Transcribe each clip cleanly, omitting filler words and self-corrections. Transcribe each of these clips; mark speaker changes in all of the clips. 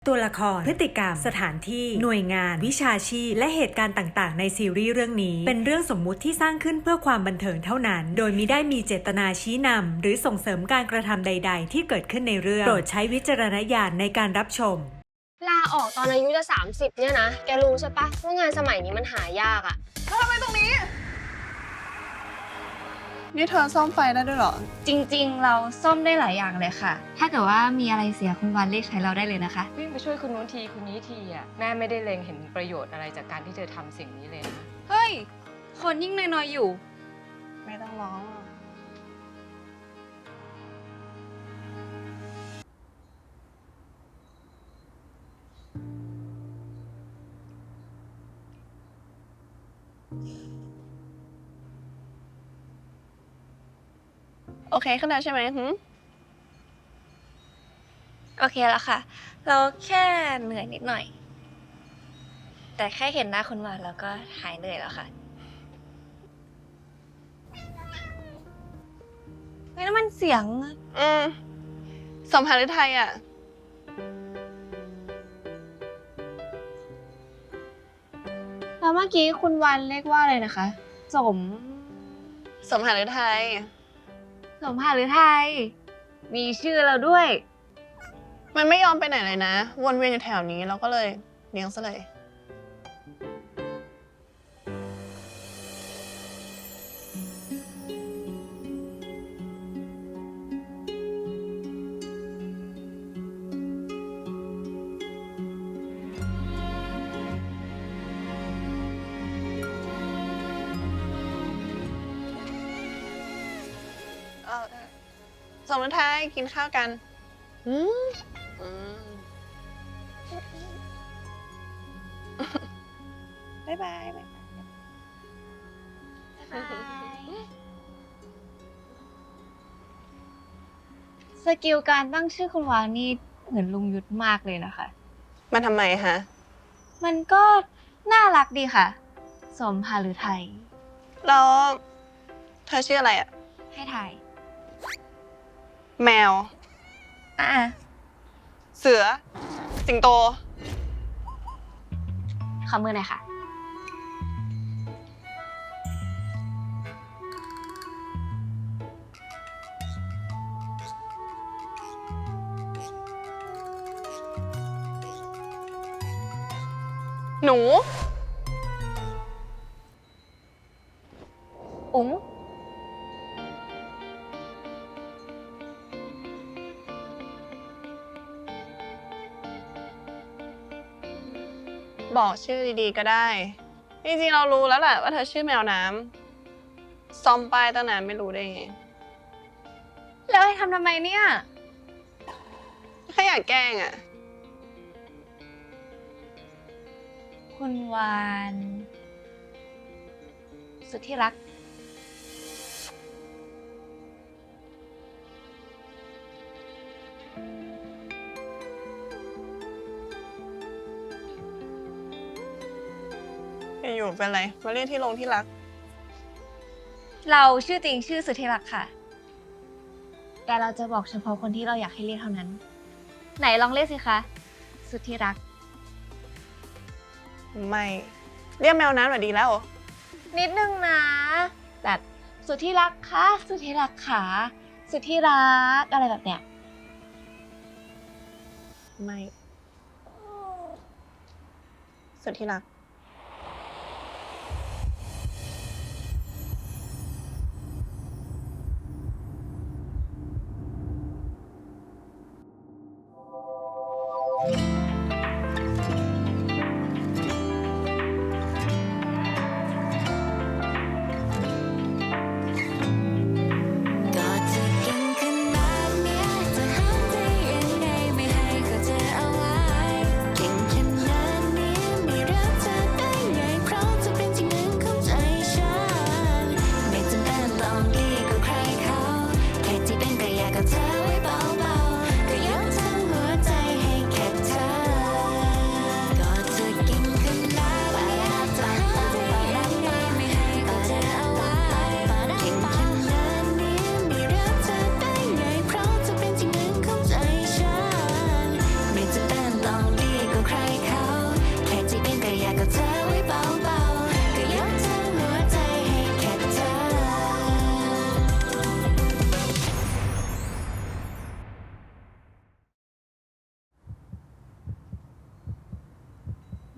Speaker 1: ตัวละครพฤติกรรมสถานที่หน่วยงานวิชาชีพและเหตุการณ์ต่างๆในซีรีส์เรื่องนี้เป็นเรื่องสมมุติที่สร้างขึ้นเพื่อความบันเทิงเท่านั้นโดยมิได้มีเจตนาชี้นำหรือส่งเสริมการกระทำใดๆที่เกิดขึ้นในเรื่องโปรดใช้วิจารณญาณในการรับชม
Speaker 2: ลาออกตอนอายุจะ30เนี่ยนะแกรู้ใช่ปะว่างานสมัยนี้มันหายากอะ
Speaker 3: แล้วทำไมตรงนี้นี่เธอซ่อมไฟได้ด้วยเหรอ
Speaker 4: จริงๆเราซ่อมได้หลายอย่างเลยค่ะถ้าเกิดว่ามีอะไรเสียคุณวันเรียกใช้เราได้เลยนะคะ
Speaker 5: วิ่งไปช่วยคนนู้นทีคนนี้ทีอ่ะแม่ไม่ได้เล็งเห็นประโยชน์อะไรจากการที่เธอทำสิ่งนี้เลยนะ
Speaker 4: เฮ้ยคนยิ่งน้อยๆอยู่
Speaker 3: ไม่ต้องร้องโอเคขึ้นแล้วใช่ไหม
Speaker 4: โอเคแล้วค่ะเราแค่เหนื่อยนิดหน่อยแต่แค่เห็นหน้าคุณวันแล้วก็หายเหนื่อยแล้วค่ะเฮ้ยนั่นมันเสียง
Speaker 3: สมภารไทยอ่ะ
Speaker 4: แล้วเมื่อกี้คุณวันเรียกว่าอะไรนะคะสม
Speaker 3: ภารไทย
Speaker 4: สมภารไทยมีชื่อเราด้วย
Speaker 3: มันไม่ยอมไปไหนเลยนะวนเวียนอยู่แถวนี้เราก็เลยเลี้ยงซะเลยสมภารไทยกินข้าวกันบ๊ายบาย
Speaker 4: สกิลการตั้งชื่อคุณวางนี่เหมือนลุงยุทธมากเลยนะคะ
Speaker 3: มันทำไมฮะ
Speaker 4: มันก็น่ารักดีค่ะสมภารไทย
Speaker 3: แล้วเธอชื่ออะไรอ่ะ
Speaker 4: ให้ถ่าย
Speaker 3: แมวเสือสิงโต
Speaker 4: ขอมือหน่อยค่ะ
Speaker 3: หนู
Speaker 4: อุ๋ง
Speaker 3: บอกชื่อดีๆก็ได้จริงๆเรารู้แล้วแหละว่าเธอชื่อแมวน้ำซ่อมป้ายตั้งนานไม่รู้ได้ไง
Speaker 4: แล้วให้ทำไมเนี่ย
Speaker 3: แค่อยากแกล้งอ่ะ
Speaker 4: คุณวานสุดที่รัก
Speaker 3: อยู่เป็นไรมาเรียกที่ลงที่รัก
Speaker 4: เราชื่อจริงชื่อสุดที่รักค่ะแต่เราจะบอกเฉพาะคนที่เราอยากให้เรียกเท่านั้นไหนลองเรียกสิคะสุดที่รัก
Speaker 3: ไม่เรียกแมวน้ำหน่อยดีแล้ว
Speaker 4: นิดนึงนะแบบสุดที่รักคะสุดที่รักขาสุดที่รักอะไรแบบเนี้ย
Speaker 3: ไม่สุดที่รัก
Speaker 6: เธอไว้เบาๆก็ยกทั้งหัวใจให้แค่เธอ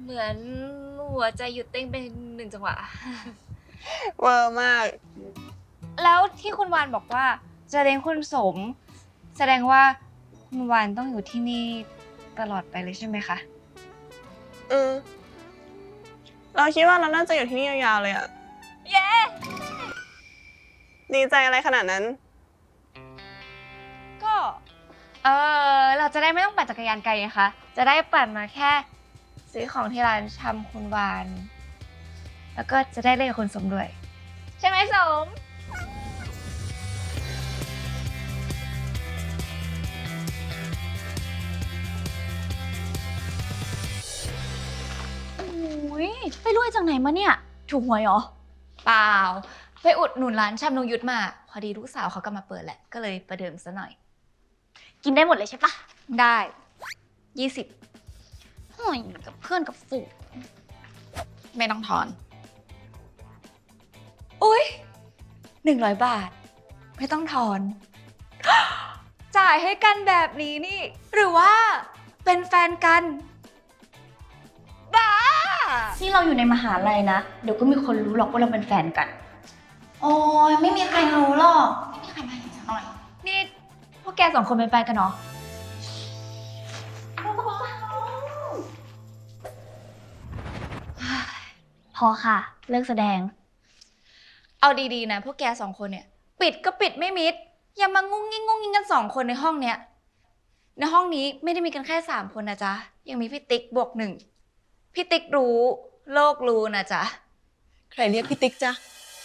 Speaker 4: เหมือนหัวใจหยุดเต้นเป็น1 จังหวะ
Speaker 3: เวอร์มาก
Speaker 4: แล้วที่คุณวานบอกว่าจะเลี้ยงคุณสม แสดงว่าคุณวานต้องอยู่ที่นี่ตลอดไปเลยใช่ไหมคะ
Speaker 3: เราคิดว่าเราน่าจะอยู่ที่นี่ยาวๆเลยอะ
Speaker 4: เย้
Speaker 3: ดีใจอะไรขนาดนั้น
Speaker 4: ก็เราจะได้ไม่ต้องปั่นจักรยานไกลไงคะ จะได้ปั่นมาแค่ซื้อของที่ร้านชำคุณวาน แล้วก็จะได้เล่นกับคุณสมด้วย ใช่ไหมสม
Speaker 6: โอ้ยไปรวยจากไหนมาเนี่ย ถูกหวยเหรอ
Speaker 4: เปล่า ไปอุดหนุนร้านชำนงยุทธมา พอดีลูกสาวเขาก็มาเปิดแหละ ก็เลยประเดิมซะหน่อย
Speaker 6: กินได้หมดเลยใช่ปะ
Speaker 4: ได้ 20
Speaker 6: โอ้ยกับเพื่อนกับฝูง
Speaker 4: ไม่ต้องทอน อุ้ย100 บาท ไม่ต้องทอน จ่ายให้กันแบบนี้นี่ หรือว่าเป็นแฟนกัน บ้า
Speaker 6: ที่เราอยู่ในมหาลัยนะ เดี๋ยวก็มีคนรู้หรอกว่าเราเป็นแฟนกัน โอ้ยไม่มีใครรู้หรอก ไม่มีใครมาเห็นสักหน่อย
Speaker 4: นี่พวกแก2 คนเป็นแฟนกันเนาะ
Speaker 6: พอค่ะ เลิกแสดง
Speaker 4: เอาดีๆนะพวกแก2 คนเนี่ย ปิดก็ปิดไม่มิด อย่ามางุ้งงิ้งกัน2 คนในห้องเนี้ย ในห้องนี้ไม่ได้มีกันแค่3 คนนะจ๊ะ ยังมีพี่ติ๊กบวก1พี่ติ๊กรู้ โลกรู้นะจ๊ะ
Speaker 7: ใครเรียกพี่ติ๊กจ๊ะ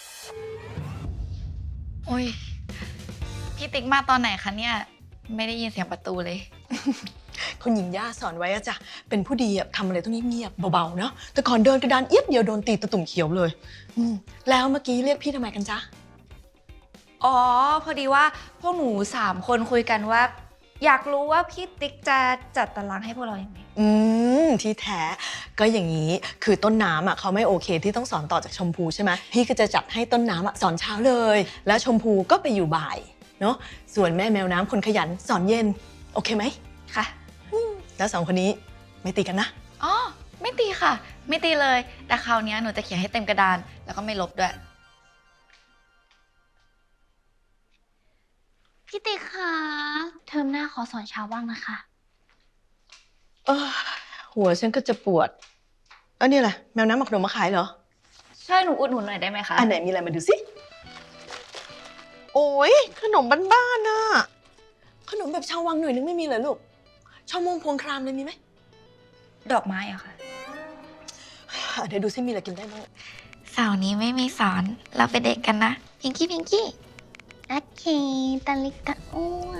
Speaker 4: โอ้ย พี่ติ๊กมาตอนไหนคะเนี่ย ไม่ได้ยินเสียงประตูเลย
Speaker 7: คุณหญิงย่าสอนไว้อะจ้ะ เป็นผู้ดีอะทำอะไรต้องเงียบๆเบาๆเนาะ แต่ก่อนเดินกระดานเอียดเดียวโดนตีตะตุ่มเขียวเลยแล้วเมื่อกี้เรียกพี่ทำไมกันจ๊ะ
Speaker 4: อ๋อ พอดีว่าพวกหนู3 คนคุยกันว่า อยากรู้ว่าพี่ติ๊กจะจัดตารางให้พวกเราอย่างไร
Speaker 7: ที่แท้ก็อย่างนี้คือต้นน้ำอะเขาไม่โอเคที่ต้องสอนต่อจากชมพูใช่ไหมพี่ก็จะจัดให้ต้นน้ำอะสอนเช้าเลย แล้วชมพูก็ไปอยู่บ่ายเนาะส่วนแม่แมวน้ำคนขยันสอนเย็นโอเคไหม
Speaker 4: ค่ะ
Speaker 7: แล้ว2 คนนี้ไม่ตีกันนะ
Speaker 4: อ๋อ ไม่ตีค่ะ ไม่ตีเลย แต่คราวนี้หนูจะเขียนให้เต็มกระดาน แล้วก็ไม่ลบด้วย
Speaker 6: พี่ติ๊กคะเทอมหน้าขอสอนเช้าบ้างนะคะ
Speaker 7: หัวฉันก็จะปวดนี่แหละแมวน้ำหมักขนมมาขายเหรอ
Speaker 4: ช่วยหนูอุดหนุนหน่อยได้ไหมคะ
Speaker 7: อันไหนมีอะไรมาดูสิ โอ้ยขนมบ้านๆน่ะ ขนมแบบชาววังหน่อยนึงไม่มีเหรอลูก ชาวมงพวงครามเลยมีไหม
Speaker 4: ดอกไม้อะค่ะ
Speaker 7: เดี๋ยวดูซิมีอะไรกินได้บ้าง
Speaker 4: เสาร์นี้ไม่มีสอน เราไปเด็กกันนะพิงกี้พิงกี้
Speaker 6: โอเคตาลิกะอ้วน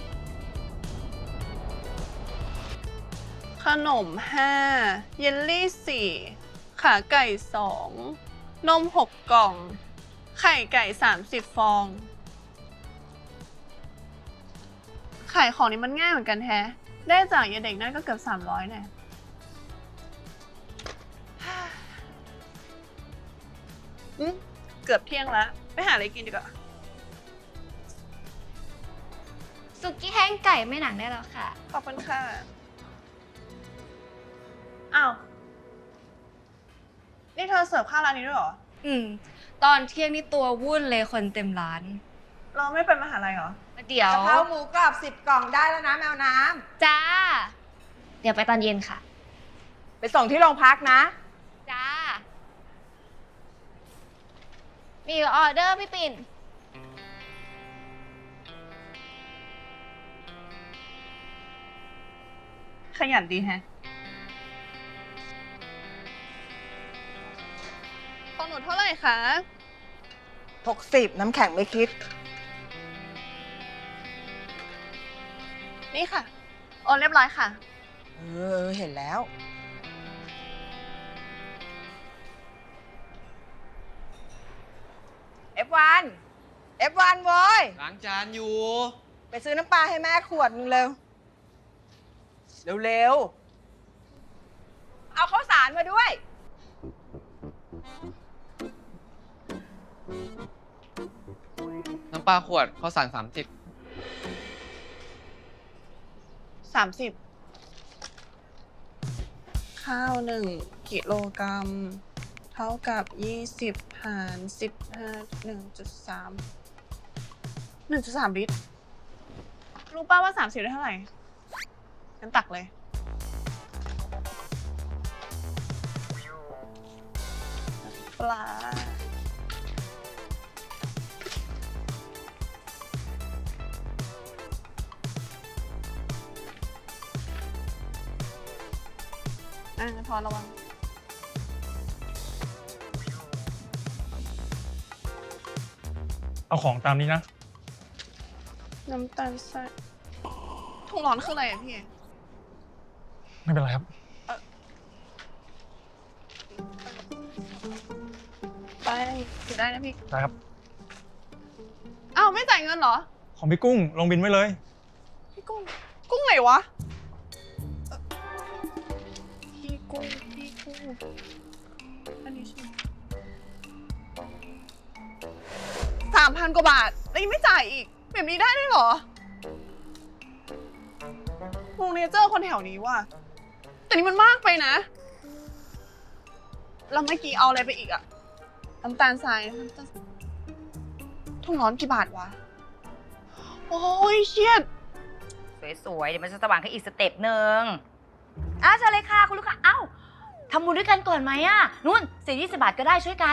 Speaker 3: ขนม 5 เยลลี่ 4 ขาไก่ 2 นม 6 กล่อง ไข่ไก่ 30 ฟอง ขายของนี้มันง่ายเหมือนกันแท้ ได้จากยายเด็กนั่นก็เกือบ300แน่เกือบเที่ยงแล้ว ไปหาอะไรกินดีกว่า
Speaker 4: สุกี้แห้งไก่ไม่หนังได้แล้วค่ะ
Speaker 3: ขอบคุณค่ะ อ้าว นี่เธอเสิร์ฟข้าวร้านนี้ด้วยเหรอ
Speaker 4: ตอนเที่ยงนี่ตัววุ่นเลยคนเต็มร้าน
Speaker 3: เราไม่ไปมหาลัยเหรอ
Speaker 4: เดี๋ยว
Speaker 8: กะเพราหมูกรอบ10 กล่องได้แล้วนะแมวน้
Speaker 4: จ้า เดี๋ยวไปตอนเย็นค่ะ
Speaker 8: ำไปส่งที่โรงพักนะ
Speaker 4: จ้า มีออเดอร์พี่ปิ่น
Speaker 3: ขยันดีแฮะของหนูเท่าไหร่คะ
Speaker 8: 60 น้ำแข็งไม่คิด
Speaker 3: นี่ค่ะ โอนเรียบร้อยค่ะ
Speaker 8: เห็นแล้ว F1 F1 โว้ย
Speaker 9: ล้างจานอยู่
Speaker 8: ไปซื้อน้ำปลาให้แม่ขวดนึงเร็ว เร็วๆ เอาข้าวสารมาด้วย
Speaker 9: น้ำปลาขวดข้าวสาร30
Speaker 3: 30 ค่ะข้าว1 กิโลกรัม เท่ากับ 20 หาร 15 1.3 ลิตร รู้ป่าวว่า30ได้เท่าไหร่งั้นตักเลย ปลา ทอนระวัง
Speaker 9: เอาของตามนี้นะ
Speaker 3: น้ำตาลทรายถุงร้อนคืออะไรอะพี่
Speaker 9: ไม่เป็นไรครับ
Speaker 3: ไปถือได้นะพี่
Speaker 9: ได้ครับ
Speaker 3: อ้าวไม่จ่ายเงินเหรอ
Speaker 9: ของพี่กุ้งลงบินไว้เลย
Speaker 3: พี่กุ้ง กุ้งไหนวะพี่กุ้ง อันนี้ใช่ไหม3,000 กว่าบาท แล้วยังไม่จ่ายอีก แบบนี้ได้ด้วยเหรอวงเนเจอร์คนแถวนี้ว่ะ แต่นี่มันมากไปนะ แล้วเมื่อกี้เอาอะไรไปอีกอะน้ำตาลทรายถุงร้อนกี่บาทวะ โอ้ยเชียด
Speaker 10: สวยๆ เดี๋ยวมันจะสว่างขึ้นอีกสเต็ปหนึ่งอ้าวเชิญเลยค่ะคุณลูกค้าเอ้าทำบุญด้วยกันก่อนไหมอะนู่น10-20 บาทก็ได้ช่วยกัน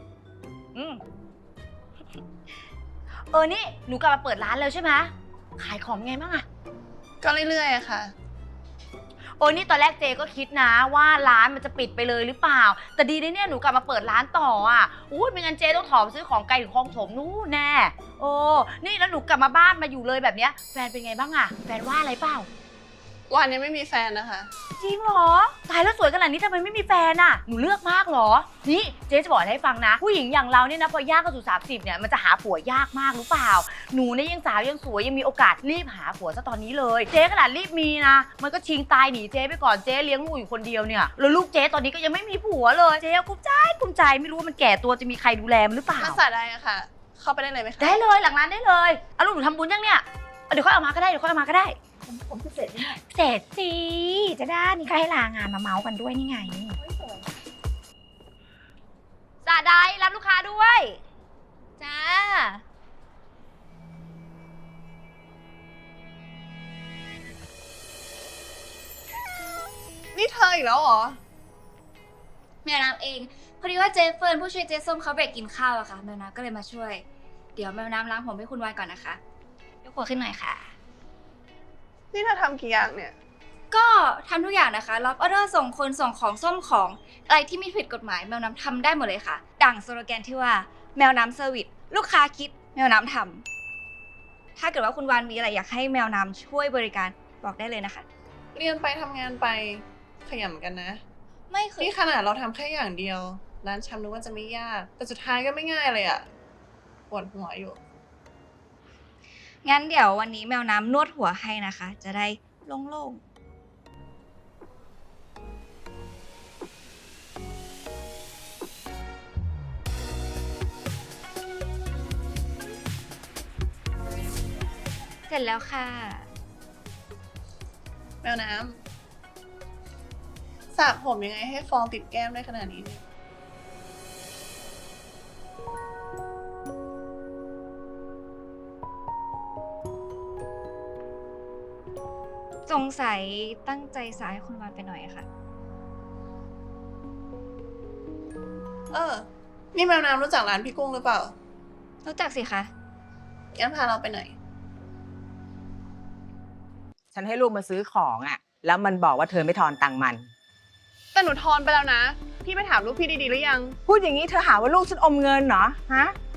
Speaker 10: นี่หนูกลับมาเปิดร้านแล้วใช่ไหมขายของไงบ้างอะ
Speaker 3: ก็เรื่อยๆอะค่ะ
Speaker 10: นี่ตอนแรกเจก็คิดนะว่าร้านมันจะปิดไปเลยหรือเปล่า แต่ดีนะเนี่ยหนูกลับมาเปิดร้านต่ออ่ะไม่งั้นเจต้องถอมซื้อของไกลถึงคลองถมนู่นแน่นี่แล้วหนูกลับมาบ้านมาอยู่เลยแบบเนี้ยแฟนเป็นไงบ้างอะแฟนว่าอะไรเปล่า
Speaker 3: วันนี้ไม่มีแฟนนะคะ
Speaker 10: จริงเหรอตายแล้วสวยขนาดนี้ทำไมไม่มีแฟนอะหนูเลือกมากเหรอนี่เจ๊จะบอกให้ฟังนะผู้หญิงอย่างเราเนี่ยนะพอย่างเข้าสู่30เนี่ยมันจะหาผัวยากมากรู้เปล่าหนูเนี่ยยังสาวยังสวยยังมีโอกาสรีบหาผัวซะตอนนี้เลยเจ๊ขนาดรีบมีนะมันก็ชิงตายหนีเจ๊ไปก่อนเจ๊เลี้ยงลูกอยู่คนเดียวเนี่ยแล้วลูกเจ๊ตอนนี้ก็ยังไม่มีผัวเลยเจ๊กุ้มใจไม่รู้ว่ามันแก่ตัวจะมีใครดูแลมันหรือเปล่า
Speaker 3: มาสาได้อะค่ะ เข้าไปได้เลยไหมคะ
Speaker 10: ได้เลยหลังร้านได้เลยเอาลูกหนูทำบุญยังเนี่ยเดี๋ยวค่อยเอามาก็ได้ผมเสร็จเนี่ยเสร็จสิจะได้นี่ก็ให้ลางานมาเมาส์กันด้วยนี่ไงสาได้รับลูกค้าด้วยจ้า
Speaker 3: นี่เธออีกแล้วเหรอ
Speaker 6: แมวน้ำเองพอดีว่าเจเฟิร์นผู้ช่วยเจส้มเขาเบรกกินข้าวอะค่ะแมวน้ำก็เลยมาช่วยเดี๋ยวแมวน้ำล้างผมให้คุณวานก่อนนะคะยกหัวขึ้นหน่อยค่ะ
Speaker 3: นี่เธอทำกี่อย่างเนี่ย
Speaker 6: ก็ทำทุกอย่างนะคะรับออเดอร์ส่งคนส่งของซ่อมของอะไรที่ไม่ผิดกฎหมายแมวน้ำทำได้หมดเลยค่ะดั่งสโลแกนที่ว่าแมวน้ำเซอร์วิสลูกค้าคิดแมวน้ำทำถ้าเกิดว่าคุณวานมีอะไรอยากให้แมวน้ำช่วยบริการบอกได้เลยนะคะ
Speaker 3: เรียนไปทำงานไปขยันเหมือนกันนะ
Speaker 6: ไม่เคย
Speaker 3: นี่ขนาดเราทำแค่อย่างเดียว ร้านชำนึกว่าจะไม่ยาก แต่สุดท้ายก็ไม่ง่ายเลยอะปวดหัวอยู่
Speaker 6: งั้นเดี๋ยววันนี้แมวน้ำนวดหัวให้นะคะ จะได้โล่งๆเสร็จแล้วค่ะ
Speaker 3: แมวน้ำสระผมยังไงให้ฟองติดแก้มได้ขนาดนี้เนี่ย
Speaker 6: สงสัยตั้งใจสายให้คุณวานไปหน่อยอะค่ะ
Speaker 3: นี่แมวน้ำรู้จักร้านพี่กุ้งหรือเปล่า
Speaker 6: รู้จักสิคะ
Speaker 3: งั้นพาเราไปหน่อย
Speaker 11: ฉันให้ลูกมาซื้อของอ่ะ แล้วมันบอกว่าเธอไม่ทอนตังค์มัน
Speaker 3: แต่หนูทอนไปแล้วนะ พี่ไปถามลูกพี่ดีๆหรือยัง
Speaker 11: พูดอย่างนี้เธอหาว่าลูกฉันอมเงินเหรอ ฮะ